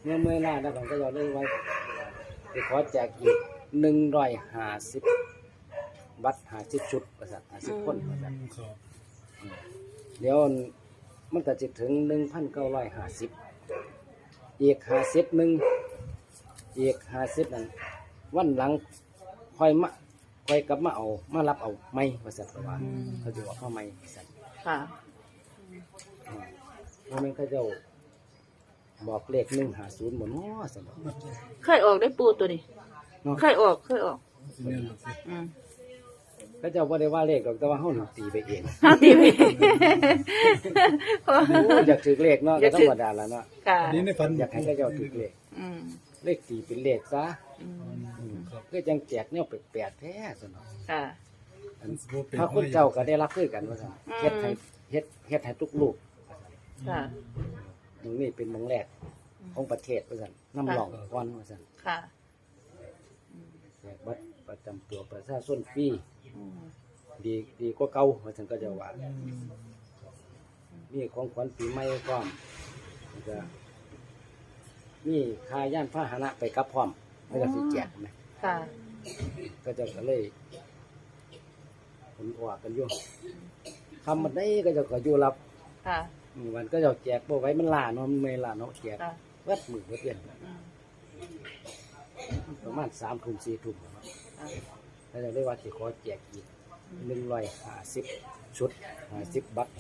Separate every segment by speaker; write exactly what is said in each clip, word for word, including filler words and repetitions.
Speaker 1: มื่อเมื่อหน้าแล้วผมก็จะเลยไว้ไปขอแจกอีกหนึ่งร้อยห้าสิบบัตรห้าสิบชุดประสาทห้าสิบคนประสาทเดี๋ยวมันก็จะถึงหนึ่งพันเก้าร้อยห้าสิบอีกห้าสิบหนึ่งอีกห้าสิบนั้นวันหลังค่อยมาค่อยกลับมาเอามารับเอาไม่ประสาทว่าเขาจะบอกเข้าไม่ประสาท
Speaker 2: ค่ะ
Speaker 1: เพราะมันเขาจะบอกเลขหนึ่งหาศูนย์หมดเนาะสมมติ
Speaker 2: เคยออกได้ปูตัวนี้เคยออกเคยออกอืม
Speaker 1: เขาจะว่าได้ว่าเลขหรอกแต่ว่าเขาหนึ่งตีไปเอง
Speaker 2: เขาตีไป
Speaker 1: อยากถือเลขเนาะก็ธรรมดาแล้วเนาะอยากให้เขาเจ้าถือเลขเลขตีเป็นเลขซะก็จังแจกเนี่ยแปลกๆแท้สนองถ้าคนเจ้าก็ได้รับคือกันว่าสั่งเฮ็ดให้เฮ็ดเฮ็ดให้ทุกลูกตรงนี้เป็นเมืองแรกของประเทศว่าสั่งน้ำหลองก้อนว่าสั่งแจกบัตรประจำตัวประชาชนฟรีดีดีกว่าเก่าว่าสั่งก็จะว่ามีของขวัญปีใหม่พร้อมจะมีค่าย่านพาหนะไปกับพร้อมไม่ต้องสิแจกไหมก็จะก็เลยผลออกกันอยู่ทำมันได้ก็จะก็อยู่รับวันก็จะแจกโบไว้มันลาเนาะมันไม่ลาเนาะแจกวัดมือวัดเตียนประมาณสามทุ่มสี่ทุ่มแล้วจะได้ว่าจะขอแจกอีกหนึ่งร้อยห้าสิบชุดห้าสิบบัตร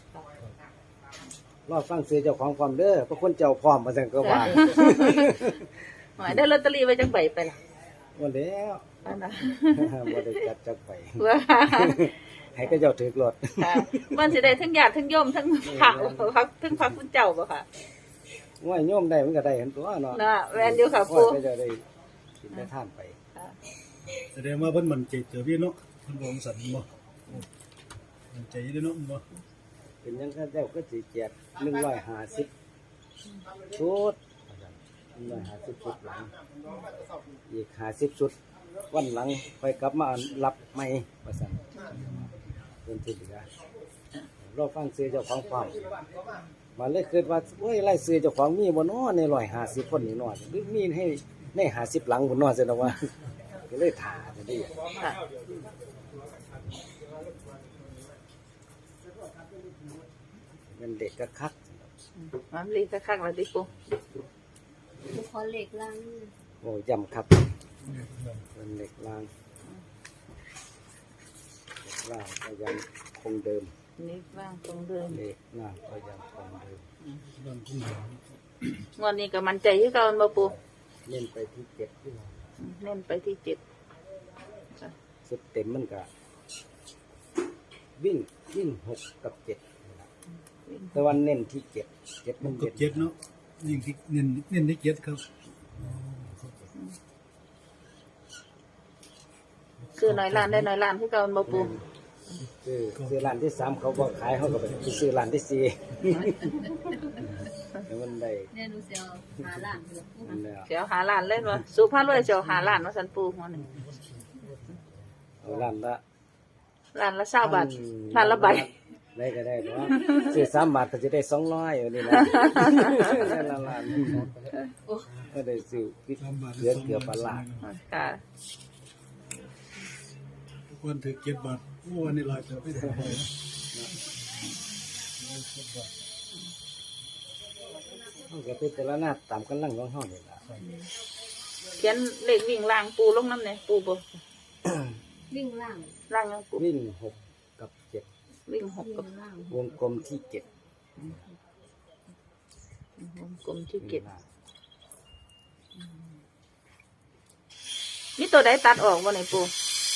Speaker 1: รอฟังซื้อเจ้าของความเด้อเพราะคนเจ้าพร้อมมาสั่งก็ว่า
Speaker 2: หมายได้ลอตเตอรี่ไว้จังใบไปล่ะ
Speaker 1: วันแล้ววันได้จัดจังไปให้ก็เจ้าถือรถ
Speaker 2: มันจะได้ทั้งญาติทั้งโยมทั้งผักพักทั้งพักคุณเจ้าบ่ค่ะ
Speaker 1: ว่าโยมได้มันก็ได้เห็นตัวเนาะ
Speaker 2: น่ะแวนอยู่ค่ะปู
Speaker 1: ก็จะได้กินได้ท่านไป
Speaker 3: แสดงว่าเพิ่นมันใจเจอพี่เนาะเพิ่นบ่สันบ่มันใจได้เนาะบ่
Speaker 1: เป็นยังก็เจ้าก็สิแจกหนึ่งร้อยห้าสิบชุดหนึ่งร้อยห้าสิบชุดหลังอีกห้าสิบชุดวันหลังค่อยกลับมารับไม่ประสันเป็นที่เหลือรอฟังซื้อเจ้าของความมาเลยคิดว่าโอ้ยไล่ซื้อเจ้าของมีบนน้อในร้อยห้าสิบคนนี่น้อยหรือมีให้ในห้าสิบหลังบนน้อเสียแล้วว่าก็เลยถ่าจะได้เป็นเด็กกระคัก
Speaker 2: มันเล็กกระคักแล้วดิปู
Speaker 4: ขอเหล็กลัง
Speaker 1: โอ้ยำครับเป็นเหล็กรางล่างก็ยังคงเดิม
Speaker 2: เหล็กล่างคงเดิม
Speaker 1: เหล็กล่างก็ยังคงเดิม
Speaker 2: วันนี้ก็มันใจที่เก่าบ่ปู
Speaker 1: เล่นไปที่เจ็ดที่เรา
Speaker 2: เล่นไปที่เจ็ด
Speaker 1: สุดเต็มมันก็วิ่งวิ่งหกกับเจ็ดแต่วันเน้นที่เจ็ดเจ็ดมัน
Speaker 3: เจ็ดเนาะยิ่งที่เน้นเน้นที่เจ็ดครับ
Speaker 2: ซื้อน้อยล้านได้น้อยล้านที่เก่าบ่ปู
Speaker 1: ซื้อซื้อร้านที่สามเขาบอกขายเขาก็ไปซื้อร้านที่สี่แล้วมันได้
Speaker 4: เนี่ยดูเสียวหาล้าน
Speaker 2: เสียวหาล้านเล่นวะสุภาพเลยเสียวหาล้านวะสันปูหัวหนึ่ง
Speaker 1: ร้านละ
Speaker 2: ร้านละเศร้าบาทร้านละใบ
Speaker 1: ได้ก็ได้เพราะซื้อสามบาทก็จะได้สองร้อยอยู่นี่นะร้านร้านก็ได้ซื้อเกือบเกือบปลา
Speaker 2: ค่ะ
Speaker 3: วันถือเก็บบาทวันนี้ลอยจะไม่ได้
Speaker 1: เขาก็เป็นแต่ละหน้าตามกันลังของห้องนี่แหละ
Speaker 2: เขียนเลขวิ่งล่างปูลงน้ำเนี่ยปูบ่
Speaker 4: วิ่งล่าง
Speaker 2: ล่างยังปู
Speaker 1: วิ่งหกกับเจ็ด
Speaker 2: วิ่งหกกับ
Speaker 1: วงกลมที่เจ็ด
Speaker 2: วงกลมที่เจ็ดนี่ตัวใดตัดออกวะไหนปู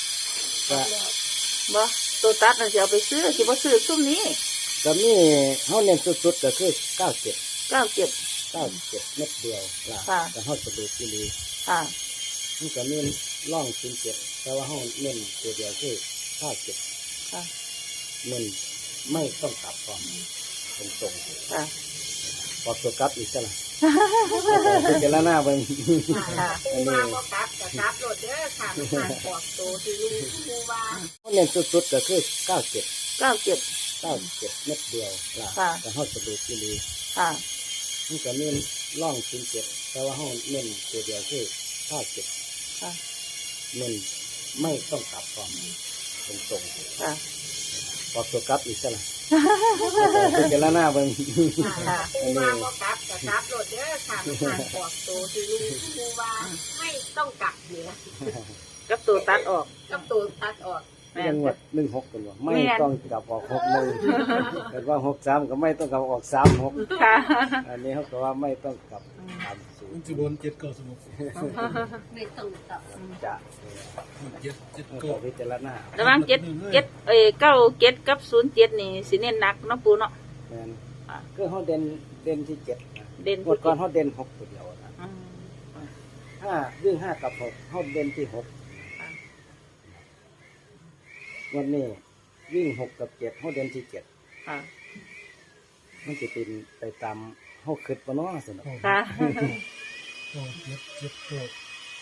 Speaker 2: บ่ตัวตัดน่ะจะเอาไปซื้อคิดว่าซื้อซุ้มนี้
Speaker 1: ก็มีเขาเน้นสุดๆก็คือเก้าเจ็ด
Speaker 2: เก้าเจ็ด
Speaker 1: เก้าเจ็ดเม็ดเดียวล่ะแต่เขาสะดุดที่ดี
Speaker 2: ค่ะ
Speaker 1: มันก็เน้นล่องศูนย์เจ็ดแต่ว่าเขาเน้นตัวเดียวคือเก้าเจ็ด
Speaker 2: ค่ะ
Speaker 1: เน้นไม่ต้องกลับก่อนตรง
Speaker 2: ๆค่ะ
Speaker 1: พอตัวกลับอีกแล้วเป็นเจริญหน้าเบิ่ง
Speaker 4: อันนี้ก็กลับก็กลับรถเด้อค่ะมันปอกตัวที่ลุงผู้ว่า
Speaker 1: เขาเน้นสุดๆก็คือเก้าเจ็ด
Speaker 2: เก้าเจ็ด
Speaker 1: เก้าเจ็ดเม็ดเดียวล่ะแต่เขาสะดุดที่ดี
Speaker 2: ค่ะ
Speaker 1: มันก็เน้นร่องศูนย์เจ็ดแต่ว่าห้องเน้นตัวเดียวคือห้าเจ็ด
Speaker 2: ค่ะ
Speaker 1: เน้นไม่ต้องกลับก่อนตรงตรง
Speaker 2: ค่ะ
Speaker 1: ๆพอตัวกลับอีกซะละเป็นเจรหน้าเบิ่ง
Speaker 4: ค่ะปูมาบ่กลับก็กลับรถเด้อค่ะมันออกตัวที่รู้ปูว่าไม่ต้องกลับเนี่ย
Speaker 2: กับตัวตัดออก
Speaker 4: กับตัวตัดออก
Speaker 2: แม่
Speaker 1: ยัง
Speaker 2: น
Speaker 1: งว
Speaker 2: ค่ะ
Speaker 1: ดหนึ่งหกกันว่าไม่
Speaker 2: แม่น
Speaker 1: ต้องกลับออกหกหนึ่งแต่ว่าหกสามก็ไม่ต้องกลับออกสามหก
Speaker 2: ค่ะ
Speaker 1: อันนี้เขาก็ว่าไม่ต้องกลับตามสู
Speaker 3: มั
Speaker 1: ต
Speaker 3: น
Speaker 1: ร
Speaker 3: สิบนเจ็ดเก้าสมุก
Speaker 4: ไม่ต้องกลับ
Speaker 1: จะ
Speaker 3: เจ็ดเจ็ด
Speaker 1: เขา
Speaker 3: เก้า
Speaker 1: ก็พิจารณา
Speaker 2: ระหว่างเจ็ดเจ็ดเอ้ยเก้าเจ็ดกับศูนย์เจ็ดนี่สิเน้นหนักเนาะปูเนาะ
Speaker 1: แม่น
Speaker 2: อ่า
Speaker 1: คือเขาเด่นเด่นที่เจ็ดนะ
Speaker 2: เด่น
Speaker 1: งวดก่อนเขาเด่นหกตัวเดียวนะ
Speaker 2: อืม
Speaker 1: ห้าวิ่งห้ากับหกเขาเด่นที่หก
Speaker 2: ค่ะ
Speaker 1: วันนี้วิ่งหกกับเจ็ดเขาเด่นที่เจ็ด
Speaker 2: ค่ะ
Speaker 1: มันจะเป็นไปตามเขาคิดปะเนาะสนุก
Speaker 2: ค่ะ
Speaker 3: เก้าเจ็ดเจ็ดเก้า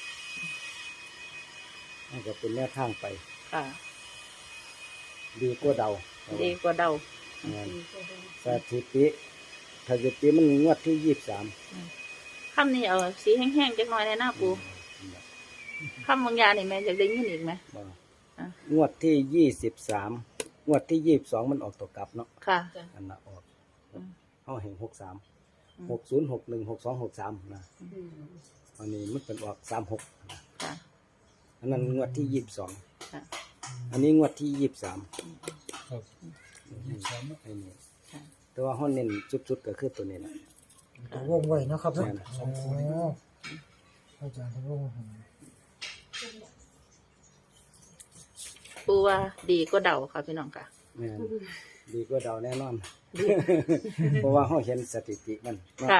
Speaker 1: มันก็เป็นแนวทางไป
Speaker 2: ค่ะ
Speaker 1: ดีกว่าเดา
Speaker 2: ดีกว่าเดา
Speaker 1: แม่นสถิติสถิติมันงวดที่ยี่สิบสาม
Speaker 2: คำนี้เอาสีแห้งๆจักหน่อยในหน้าปูคำบางอย่างนี่แม่อยากได้ยินอีกไหม อ่ะ
Speaker 1: งวดที่ยี่สิบสามงวดที่ยี่สิบสองมันออกตัวกลับเนาะ
Speaker 2: ค่ะ
Speaker 1: อันน่ะออก
Speaker 2: อืม
Speaker 1: เขาเห็นหกสาม
Speaker 2: อืม
Speaker 1: หกศูนย์หกหนึ่งหกสองหกสามนะอันนี้มันเป็นออกสามหกนะ
Speaker 2: ค่ะ
Speaker 1: อันนั้นงวดที่ยี่สิบสอง
Speaker 2: ค่ะ
Speaker 1: อันนี้งวดที่ยี่สิบสาม
Speaker 3: ครับยี่สิบสาม
Speaker 1: ไอ้นี่
Speaker 2: ค่ะ
Speaker 1: แต่ว่าห้องเน้นจุดๆก็คือตัวนี้แหละ
Speaker 5: ตัววงไว้นะครับเนาะ
Speaker 1: แม่น
Speaker 5: โอ้อาจารย์ตัววงให้
Speaker 2: ปูว่าดีกว่าเดาค่ะพี่น้องค่ะ
Speaker 1: แม่นดีกว่าเดาแน่นอน เพราะว่าเขาเห็นสถิติมันเนาะ
Speaker 2: ค่ะ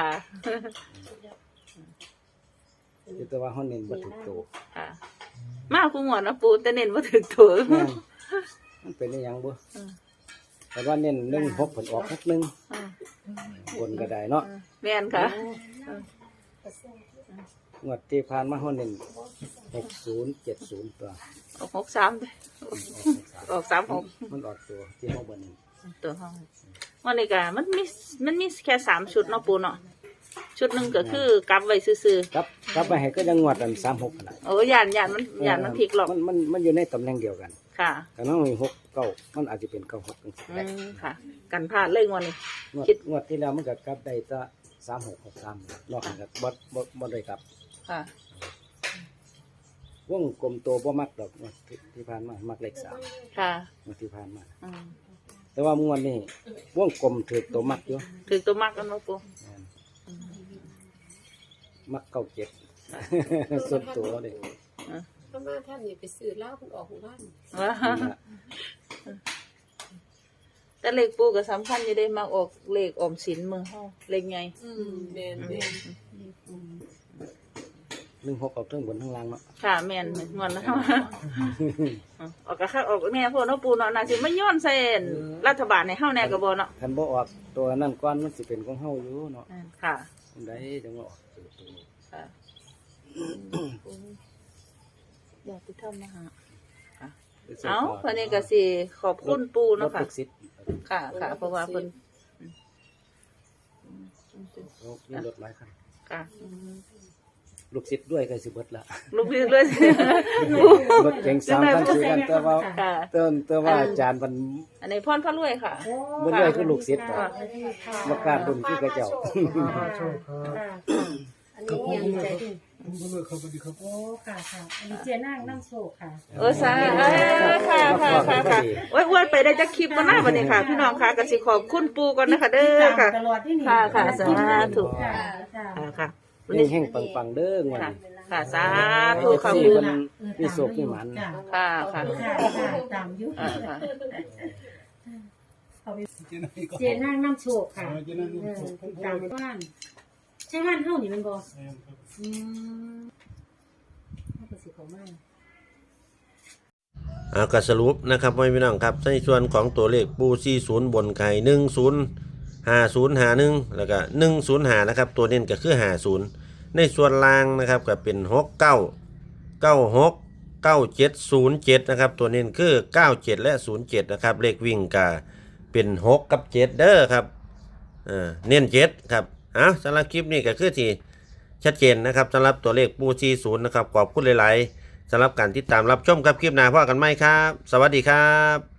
Speaker 1: แต่ว่าเขาเน้นบัตรโต
Speaker 2: ค่ะ มาคู่หมวดนะปูแต่เน้นว่าถึงตัว
Speaker 1: แม่นมันเป็นอหยังบ่
Speaker 2: อืม
Speaker 1: แต่ว่าเน้นหนึ่งหกผลออกหกหนึ่ง
Speaker 2: อืม
Speaker 1: บนก็ได้เนาะ
Speaker 2: แม่นค่ะ
Speaker 1: งวดที่ผ่านมาเขาเน้นหกศูนย์เจ็ดศูนย์ตัว
Speaker 2: ออกหกสามเลยออกสามหก
Speaker 1: มันออกตัวที่ห้องบนนี้
Speaker 2: ตัวห้องวันนี้ก็มันมีมันมีแค่สามชุดเนาะปูเนาะชุดหนึ่งก็คือกลับไว้ซื่อ
Speaker 1: ครับกลับไปให้ก็ยังงวดอันสามหกขนาด
Speaker 2: ๆโอ้ยานยานมันยานมันพลิกหรอก
Speaker 1: มันมันมันอยู่ในตำแหน่งเดียวกัน
Speaker 2: ค่ะ
Speaker 1: แต่น้องมีหกเก้ามันอาจจะเป็นเก้าหกจังซี่
Speaker 2: อื
Speaker 1: ได้
Speaker 2: มค่ะ กันพลาดเลยงวันนี้
Speaker 1: งวด
Speaker 2: คิด
Speaker 1: งวดที่แล้วมันก็กลับได้จะสามหกหกสามนอกจากบ่บ่บ่ได้กลับ
Speaker 2: ค่ะ
Speaker 1: วงกลมโตบ่มักดอกงวดที่ที่ผ่านมามักเลขสาม
Speaker 2: ค่ะ
Speaker 1: งวดที่ผ่านมา
Speaker 2: อืม
Speaker 1: แต่ว่างวดนี้วงกลมถือตัวมักอยู่
Speaker 2: ถึงตัวมากกันเนาะปู
Speaker 1: แม่นมักเก้าเจ็ด ส่วนตัวเลย
Speaker 4: ถ้ามาท่านนี่ไปซื้อเหล้าคุณออกหมู่บ้าน
Speaker 2: ว่าแต่เลขปูก็สำคัญอยู่ได้มาออกเลขออมสินเมืองเฮาเลขไง
Speaker 4: อืมแม่นแม่น
Speaker 1: หนึ่งหกออกเทั้งบนทั้งล่างเนาะ
Speaker 2: ค่ะแม่นงอนนะออกก็ค่าออกแน่พวกเนาะปูเนาะน่าสิมาย้อนใส่รัฐบาลในเฮาแน่ก็บ่เนาะ
Speaker 1: คันบ่ออกตัวนั้นก่อนมันสิเป็นของเฮาอยู่เนาะ
Speaker 2: ค่ะ
Speaker 1: อันใดจังว่าออกตัวตัวนี้
Speaker 2: ค่ะอยากไปทำนะฮะเอาวันนี้ก็สิขอบคุณปู
Speaker 1: ร
Speaker 2: เนาะ
Speaker 1: ถ
Speaker 2: ค่ะ
Speaker 1: ทุกสิทธิ์
Speaker 2: ค่ะค่ะ เพราะว่าเพิ่น
Speaker 1: รถมีรถหลายคัน
Speaker 2: ค่ะ
Speaker 1: ลูกศิษย์ด้วยก็สิเบิดละ
Speaker 2: ลูกพี่เลย
Speaker 1: รถเก๋งสามคันสี่คันแต่ว่า
Speaker 2: ค่ะ
Speaker 1: เติ้นแต่ว่าอาจารย์มัน
Speaker 2: อันนี้พรพระรวยค่ะ
Speaker 1: บ่ด้วยคือลูกศิษย์ต่อบ่กล้าดุนคือกระเจ้า
Speaker 5: โชคครับ
Speaker 6: อันนี้ยังใจดี
Speaker 3: ผมก็เลยเข้าไปดีครับ
Speaker 6: โอ้ค่ะค่ะอันนี้เจนั่งน้ำโศกค่ะ
Speaker 2: เออสาเอ้ยค่ะค่ะค่ะค่ะโอ้ยอ้วนไปได้จักคลิปบ่น่าบัดนี้ค่ะ พี่น้องค่ะก็สิขอบคุณปูก่อนนะคะเด้อค่ะ
Speaker 6: ตลอดที่นี่
Speaker 2: ค่ะค่ะสาธุ
Speaker 6: ค่ะจ้า
Speaker 2: ค่ะค่ะ
Speaker 1: แห้งๆปังๆเด้องวด
Speaker 2: ค่ะ
Speaker 1: นี้
Speaker 2: ค่ะสาธุค่ะ
Speaker 1: สี่
Speaker 2: ปู
Speaker 1: มันมีโศกมีหมัน
Speaker 6: จ้า
Speaker 2: ค่ะค่ะ
Speaker 6: ค่ะค่ะตามยุค
Speaker 2: อ่าค่ะ
Speaker 6: เขาไป
Speaker 3: เจนั่งก็
Speaker 6: เจนั่งน้ำโศกค่ะ
Speaker 3: เจนั่ง
Speaker 6: เออตามบ้านใช่บ้านเท่านี่มันบออืมน่าจะสิของมาก
Speaker 7: อ่าก็สรุปนะครับพี่น้องครับในส่วนของตัวเลขปูสี่ศูนย์บนไข่หนึ่งศูนย์ห้าศูนย์ห้าหนึ่งแล้วก็หนึ่งศูนย์ห้านะครับตัวเน้นก็คือห้าศูนย์ในส่วนล่างนะครับก็เป็นหกเก้าเก้าหกเก้าเจ็ดศูนย์เจ็ดนะครับตัวเน้นคือเก้าเจ็ดและศูนย์เจ็ดนะครับเลขวิ่งก็เป็นหกกับเจ็ดเด้อครับอ่าเน้นเจ็ดครับอ้าวสำหรับคลิปนี้ก็คือที่ชัดเจนนะครับสำหรับตัวเลขปูสี่สิบนะครับขอบคุณหลายๆสำหรับการติดตามรับชมครับคลิปหน้าพ่อกันไหมครับสวัสดีครับ